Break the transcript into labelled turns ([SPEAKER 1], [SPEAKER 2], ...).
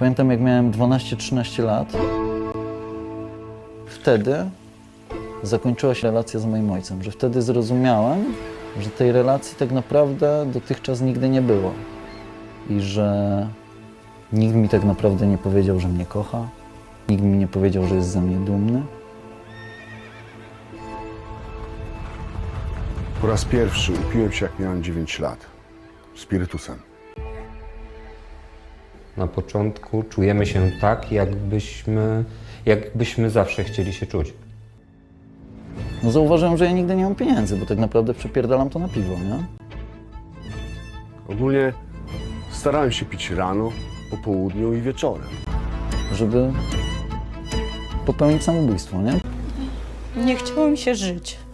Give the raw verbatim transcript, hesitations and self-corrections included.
[SPEAKER 1] Pamiętam, jak miałem dwanaście trzynaście lat. Wtedy zakończyła się relacja z moim ojcem, że wtedy zrozumiałem, że tej relacji tak naprawdę dotychczas nigdy nie było. I że nikt mi tak naprawdę nie powiedział, że mnie kocha. Nikt mi nie powiedział, że jest ze mnie dumny.
[SPEAKER 2] Po raz pierwszy upiłem się, jak miałem dziewięć lat. Spirytusem.
[SPEAKER 3] Na początku czujemy się tak, jakbyśmy, jakbyśmy zawsze chcieli się czuć.
[SPEAKER 1] No zauważyłem, że ja nigdy nie mam pieniędzy, bo tak naprawdę przepierdalam to na piwo, nie?
[SPEAKER 2] Ogólnie starałem się pić rano, po południu i wieczorem.
[SPEAKER 1] Żeby popełnić samobójstwo, nie?
[SPEAKER 4] Nie chciało mi się żyć.